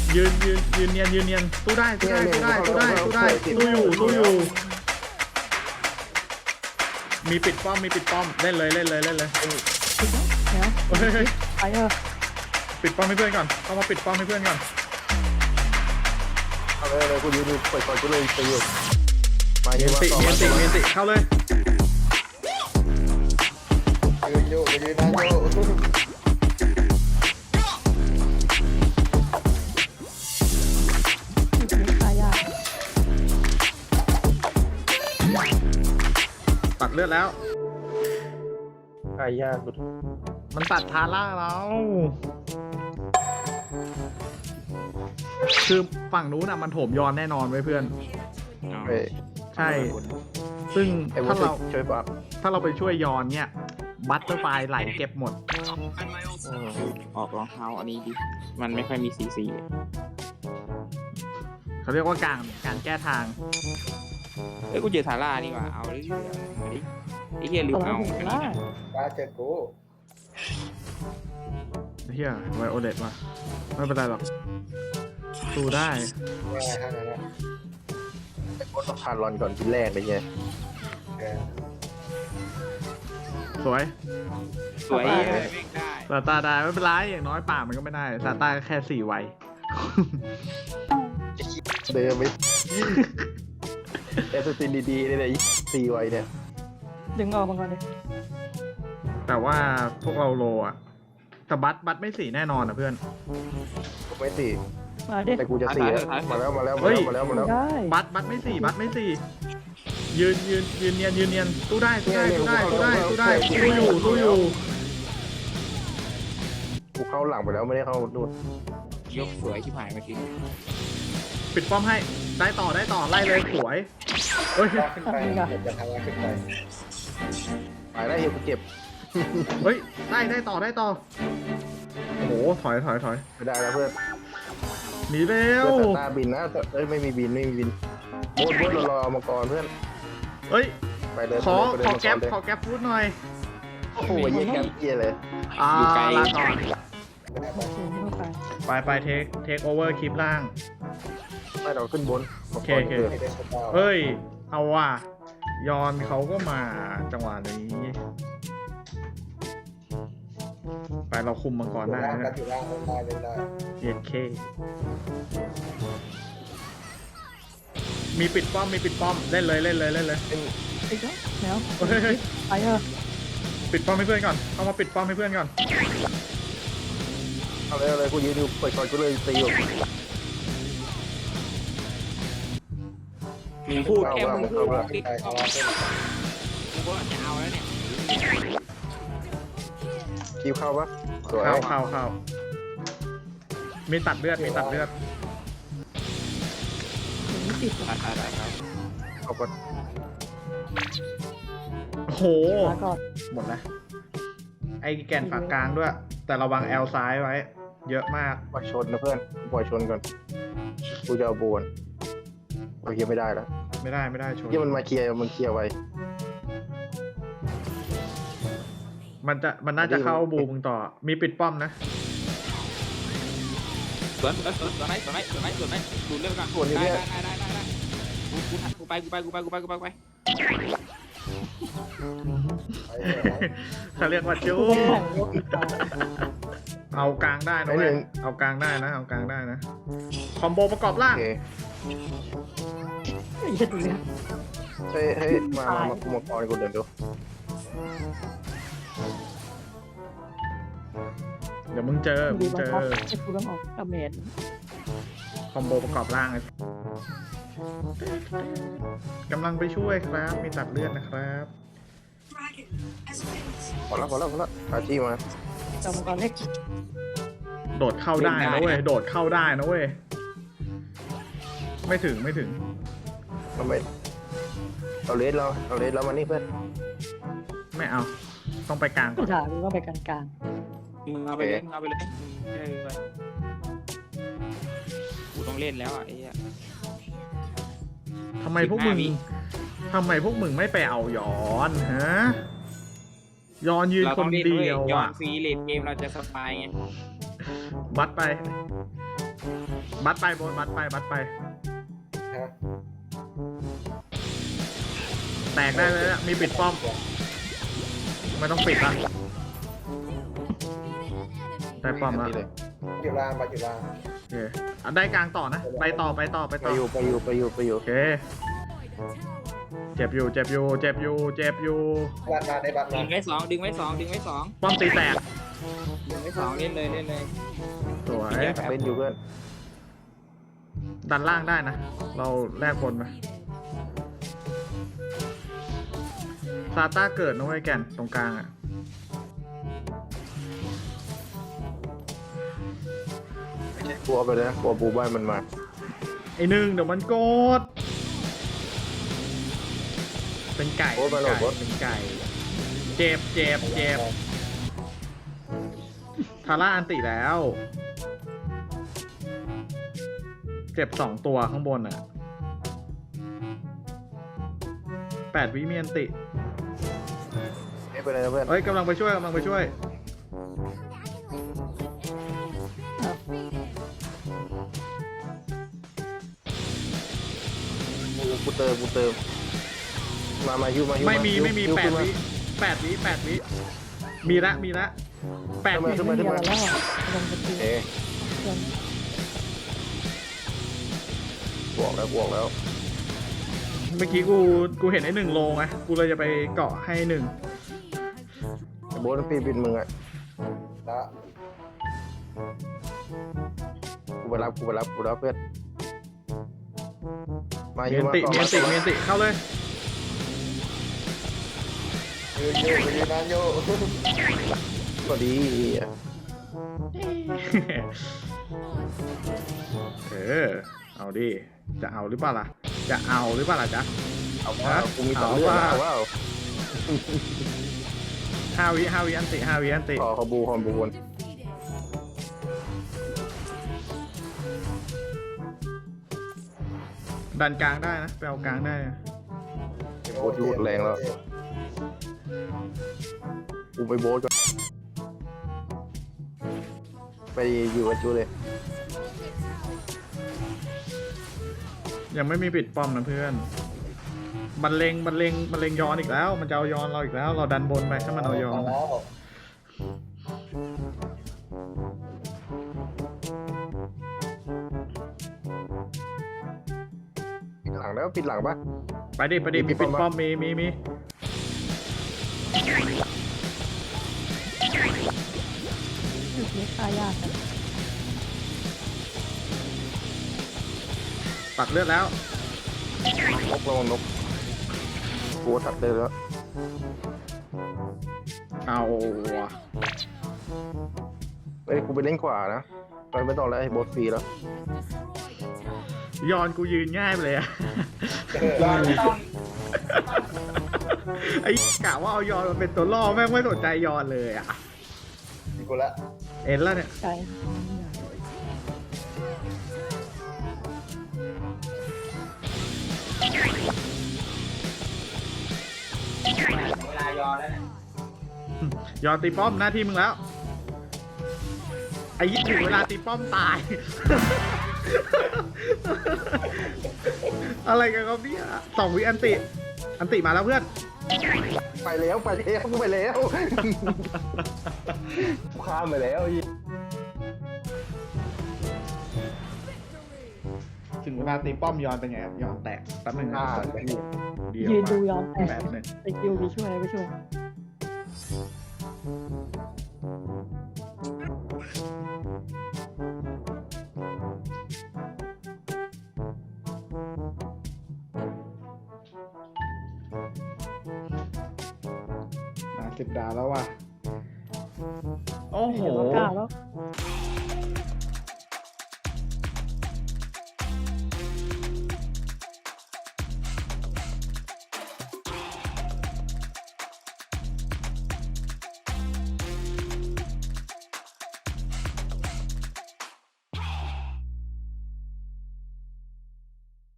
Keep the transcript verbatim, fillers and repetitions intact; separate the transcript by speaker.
Speaker 1: ยืนยืนยืนเนียนยืนเนียนตู้ได้ตู้ได้ตู้ได้ตู้ได้ตู้ได้ตู้อยู่ตู้อยู่มีปิดป้อมมีปิดป้อมเล่นเลยเล่นเลยเล่นเลย
Speaker 2: ปิดแล้ว
Speaker 1: เฮ้ย
Speaker 2: ไปเออ
Speaker 1: ปิดป้อมให้เพื่อนก่อนเข้ามาปิดป้อมให้เพื่อนก่อน
Speaker 3: เอาเลยเลยกูยืนอยู่เปิดก่อนกูเลยไปอยู่มา
Speaker 1: เมี
Speaker 3: เย
Speaker 1: ยน
Speaker 3: อะ
Speaker 1: ติ
Speaker 3: มา
Speaker 1: เมียนติเมียนติเข้าเลย
Speaker 3: ยืนอยู่ยืนนะอยู่
Speaker 2: ตายยาก
Speaker 1: ตัดเลือดแล้ว
Speaker 3: ไอ้ยากสุด
Speaker 1: มันตัดทาร่าเราคือฝั่งนู้นน่ะมันโถมยอนแน่นอนไว้เพื่อน
Speaker 3: เฮ้ย
Speaker 1: ใช่ ซึ่ง
Speaker 3: ไอ้บุ
Speaker 1: ถ้า
Speaker 3: ษ
Speaker 1: เรา
Speaker 3: ช่วยปรับ
Speaker 1: ถ้าเราไปช่วยยอนเนี่ยบัตเตอร์ไฟไหลเก็บหมด
Speaker 4: ออกรองเท้าอันนี้ดิมันไม่ค่อยมีสีสี
Speaker 1: เขาเรียกว่าการการแก้ทาง
Speaker 4: เอ้ยกูเจอทาร่านี่ว่ะเอาเรื่อยๆมาดิไอ้เหี้ยลื
Speaker 2: ต
Speaker 4: ม
Speaker 2: อนนั้
Speaker 4: เอา
Speaker 2: นผม
Speaker 4: อัน
Speaker 2: ล่า
Speaker 4: นี้นะ
Speaker 3: ตาเจอกู
Speaker 1: เฮียไวโอเลตว่ะไม่เป็นไรหรอกสู้ได้
Speaker 3: ง่ายท่านั้นนะไอ้โคตรต้องพานรอนก่อนทีแรกเลยไง
Speaker 1: สวย
Speaker 4: สวยเลยไม่ได้
Speaker 1: ซาตาได้ไม่เป็นไรอย่างน้อยป่ามันก็ไม่ได้ซาตาก็แค่สี่ไว
Speaker 3: เดิมไปเอสตินดีๆเลยสี่ไวเนี่ย
Speaker 2: ดึงออกมาก่อนเลย
Speaker 1: แต่ว่าพวกเราโลอะแต่บัตบัตไม่สี่แน่นอนนะเพื่อน
Speaker 3: ผมไม่สี่
Speaker 2: มาดิ
Speaker 3: แต่กูจะสี่มาแล้วมาแล้วมาแล้วมาแล้วมาแล้ว
Speaker 2: ได้
Speaker 1: บัตบัตไม่สี่บัตไม่สี่ยืนยืนยืนเนียนยืนเนียนตู้ได้ตู้ได้ตู้ได้ตู้ได้ตู้ได้ตู้อยู่ตู้อยู่
Speaker 3: กูเข้าหลังไปแล้วไม่ได้เข้าดูด
Speaker 4: ยกสวยที่ผ่านเมื่อกี้
Speaker 1: ปิดป้อมให้ได้ต่อได้ต่อไล่เลยสวยเฮ้ย
Speaker 3: ขึ้นไปจะทำอะไรขึ้นไปไปได้เฮียกูเจ็บ
Speaker 1: เฮ้ยได้ได้ต่อได้ต่อโอ้โหถอยถอยถอย
Speaker 3: ไม่ได้แล้วเพื่อน
Speaker 1: หนีเร็ว
Speaker 3: เพื่อนตาบินนะเอ้ยไม่มีบินไม่มีบินโบดโบดเรารอเอามาก่อนเพื่อน
Speaker 1: เฮ้ย
Speaker 3: ไปเลย
Speaker 1: ขอ
Speaker 3: ไปเลย
Speaker 1: ขอ
Speaker 3: ไปเลย
Speaker 1: แก๊ป
Speaker 3: ไปเลย
Speaker 1: ขอแก๊ปฟูดหน่อย
Speaker 3: โอ้โหเยี่ยแก๊ปเยี่ยเลย
Speaker 1: อ่าลาก่อน
Speaker 2: โอเคไม่ต้องไป
Speaker 1: ไปไปเทคเทคโอเวอร์คลิปล่าง
Speaker 3: ไม่เราขึ้นบน
Speaker 1: โอเคโอเค เฮ้ย เอาว่ะยอนเขาก็มาจังหวะนี้ ไปเราคุมมังกรได้นะ
Speaker 3: อยู่ล่างได้เล่นได้
Speaker 1: เย็ดเคมีปิดป้อมมีปิดป้อมเล่นเลยเล่นเลยเล่นเลย
Speaker 2: ปิดแล้วแล้ว
Speaker 1: เฮ้ยเฮ้ย
Speaker 2: ไปเออ
Speaker 1: ปิดป้อมให้เพื่อนก่อนเข้ามาปิดป้อมให้เพื่อนก่อน
Speaker 3: เอาเลยเอาเลยกูยืนอยู่เปิดก่อนกูเลยตีอยู่
Speaker 4: มึงพูดแค่มึงพูด
Speaker 3: เอา
Speaker 4: ติด
Speaker 3: เอาเอา
Speaker 4: มึงก็จะเอาแล้วเนี่ย
Speaker 3: คิวเข้าปะสวย
Speaker 1: เข้าเข้าเข้ามีตัดเลือดมีตัดเลือด
Speaker 2: ไม่ติด
Speaker 4: ได้ได้ได้ครับ
Speaker 3: เอาปะ
Speaker 1: โอ้โห
Speaker 2: มาก่อน
Speaker 1: หมดแล้วไอ้แก่นฝากกลางด้วย แต่ระวังแอลซ้ายไว้ เยอะมาก
Speaker 3: ปล่อยชนนะเพื่อนปล่อยชนก่อนกูจะเอาบวนโอเคไม่ได้แล้ว
Speaker 1: ไม่ได้ไม่ได้ชน
Speaker 3: เยี่ยมันมาเคลียร์มันเคลียร์ไว้
Speaker 1: มันจะมันน่าจะเข้าบูมึงต่อ มีปิดป้อมนะ
Speaker 4: สวนสวนสวนสวนไหนสวนไหนสวนไหนสวนไหนดูเรื่องกันได้ได้ได้ได้ได้กูกูกูไปกูไปกูไปกูไปกูไปกูไป
Speaker 1: เขาเรียกว่าจู้
Speaker 2: กูไปแข่งรถอีกตา
Speaker 1: เอากลางได้นะเว้ยเอากลางได้นะ เอากลางได้นะ คอมโบประกอบ
Speaker 3: โอ
Speaker 1: ล่าง
Speaker 3: เค
Speaker 2: ไอ้เหี้ยดูเนี่ย
Speaker 3: เฮ้ยเฮ้ยมามามากูมาก่อนกูเดินดู
Speaker 1: เดี๋ยวมึงเจอ มึ
Speaker 2: ดู
Speaker 1: ง
Speaker 2: บั
Speaker 1: เจ
Speaker 2: ง
Speaker 1: อ
Speaker 2: คับไอ้กูต้องออกดาเมจ
Speaker 1: คอมโบประกอบล่างเลยกำลังไปช่วยครับ มีตัดเลือดนะครับ
Speaker 3: พอแล้วพอแล้วพอแล้วอาชีมา
Speaker 2: จำก่อนเล็ก
Speaker 1: โดดเข้าได้นะเว้ย โดดเข้าได้นะเว้ย ไม่ถึงไม่ถึง
Speaker 3: ทำไมเราเลสเราเราเลสเรามานี่เพื่อน
Speaker 1: ไม่เอา ต้องไปกลางก่
Speaker 2: กู
Speaker 1: อน
Speaker 2: ถามมึงว่าไปกลาง
Speaker 4: มึงเอาไปเลยมึงเอาไปเลยเออกูต้องเล่นแล้วอ่ะไอ้เหี้ย
Speaker 1: ทำไมพวกมึง
Speaker 4: สิบห้าวิ
Speaker 1: ทำไมพวกมึงไม่ไปเอาย้อนฮะ ย้อนยืน
Speaker 4: เรา
Speaker 1: ค
Speaker 4: ต้อน งเล่น
Speaker 1: เดี
Speaker 4: ด้วย
Speaker 1: ยว
Speaker 4: ย้อน
Speaker 1: อ่ะ
Speaker 4: ฟรีเลดเกมเราจะสบายไง
Speaker 1: บัดไปบัตไปโบนบัตไปบัตไป
Speaker 3: ฮะ
Speaker 1: แตกได้เลยอะมีปิดป้อมไม่ต้องปิดละได้ป้อมแล้ว
Speaker 3: นี่เลย
Speaker 5: อยู่ล่างไปอยู่ล่าง
Speaker 1: โอเคอ่ะได้กลางต่อนะไปต่อไปต่อไป
Speaker 3: ไป
Speaker 1: ต่อ
Speaker 3: อยู่ไปอยู่ไปอยู่ไปอยู่
Speaker 1: โอเคเจ็บอยู่เจ็บอยู่เจ็บอยู่เจ็บอยู่
Speaker 5: บัตรมาได้บัตร
Speaker 4: ดึ
Speaker 5: มาง
Speaker 4: ไว้สองดึงไว้สองดึงไว้สอง
Speaker 1: ป้อมตีแตก
Speaker 4: ดึงไว้สองเล่นเลยเล่นเลย
Speaker 1: สวย
Speaker 3: เล่นอยู่เพื่อน
Speaker 1: ดันล่างได้นะ เราแลกบนไปซาต้าเกิดนะเว้ยแก่นตรงกลางอ่ะ
Speaker 3: กลัวไปเลยนะกลัวบูบ้านมันมา
Speaker 1: ไอหนึ่งเดี๋ยวมันโกดเป็นไก่
Speaker 3: โอ้ยมาโหลดรถ
Speaker 1: เป็นไก่เจ็บเจ็บเจ็บทาร่าอันติแล้ว เจ็บสองตัวข้างบนอ่ะแปดวิมีอันติ
Speaker 3: ไม่เป็นไรนะเพื่อน
Speaker 1: เอ้ยกำลังไปช่วยกำลังไปช่วย
Speaker 3: กูกูเติมกูเติมมามายูมายู
Speaker 1: ไม่มีไม่มี
Speaker 3: ยู
Speaker 1: แปด
Speaker 3: ขึ้นมา
Speaker 1: วิแปดวิแปดวิมีละมีละแปดวิ
Speaker 3: ขึ้น
Speaker 2: ไม่
Speaker 3: มา
Speaker 2: มี
Speaker 3: ขึ้น
Speaker 2: อะไร
Speaker 3: มา
Speaker 2: แล้วอะลงไปตี
Speaker 3: เอ๊ะ
Speaker 2: เพื่อน
Speaker 3: บวกแล้วบวกแล้ว
Speaker 1: เมื่อกี้กูกูเห็นไอ้หนึ่งโลไงกูเลยจะไปเกาะให้หนึ่ง
Speaker 3: ไอ้โบนปีบินมึงอ่ะ
Speaker 5: ละ
Speaker 3: กูไปรับกูไปรับกูรับเพื่อนมา
Speaker 1: มี
Speaker 3: ยู
Speaker 1: อัน
Speaker 3: มา
Speaker 1: ติ
Speaker 3: ต่อ
Speaker 1: มีอันติมีอันติเข้าเลย
Speaker 5: ยืนอยู่ยืนนานอยู่
Speaker 3: ก็ดีอ่ะ
Speaker 1: เออเอาดิจะเอาหรือเปล่าล่ะจะเอาหรือเปล่าล่ะจ๊ะ
Speaker 3: เอาว่ากูมีต่อเรื่องเอาว่า
Speaker 1: ห้าวิห้าวิอันติห้าวิอันติ
Speaker 3: ขอขอบูขอบูน
Speaker 1: ดันกลางได้นะไปเอากลางได้นะ
Speaker 3: โบที่หมดแรงแล้วกูไปโบสก่อนไปอยู่กับจูเลย
Speaker 1: ยังไม่มีปิดป้อมนะเพื่อนบันเลงบันเลงบันเลงย้อนอีกแล้ว มันจะเอาย้อนเราอีกแล้ว เราดันบนไปถ้ามันเอาย้อน
Speaker 5: แล้ว
Speaker 3: ปิดหลังแล้วปิดหลังปะ
Speaker 1: ไปดิไปดิ
Speaker 3: มี
Speaker 1: มี
Speaker 3: ปิ
Speaker 1: ปิ
Speaker 3: ด
Speaker 1: ด
Speaker 3: ป้
Speaker 1: ป้
Speaker 3: อ
Speaker 1: อ
Speaker 3: ม
Speaker 1: ม
Speaker 3: ปะ
Speaker 1: มีมีมี
Speaker 2: จุดนี้ตายยากนะ
Speaker 1: ตัดเลือดแล้ว
Speaker 3: นกระวังนกกูตัดเลยแล้ว
Speaker 1: เอาว่ะ
Speaker 3: เอ้ยกูไปเล่นขวานะไปไม่ต้องแล้วไอ้โบสฟรีแล้ว
Speaker 1: ย้อนกูยืนง่ายไปเลยอะ ไอ้กะว่าเอายอนมาเป็นตัวล่อแม่งไม่สนใจยอนเลยอ่ะ
Speaker 5: กูละ
Speaker 1: เอ็นแล้วเนี่ย
Speaker 2: ไกล
Speaker 4: เวลายอแล้วเนี่ย
Speaker 1: ยอนตีป้อมหน้าที่มึงแล้ว ไอ้ยี่ถึงเวลาตีป้อมตาย อะไรกันครับเนี่ยสองวิอันติ อันติมาแล้วเพื่อน
Speaker 3: ไปแล้วไปแล้วกูไปแล้วกูข้ามไปแล้วไอ้
Speaker 1: ถึงเวลาตีป้อมยอนเป็นไงครับยอนแตกแป๊บนึงนะ
Speaker 3: อ่า
Speaker 1: เดียว
Speaker 2: ยืนดู
Speaker 1: มา
Speaker 2: ย้อนแตก
Speaker 1: แป๊บนึง
Speaker 2: ไปคิวมีช่วยอะไรไม่ช่วย
Speaker 1: มาสิบดาวแล้วว่ะ โอ้โห
Speaker 2: เดี๋ยวเรากล้าแล้ว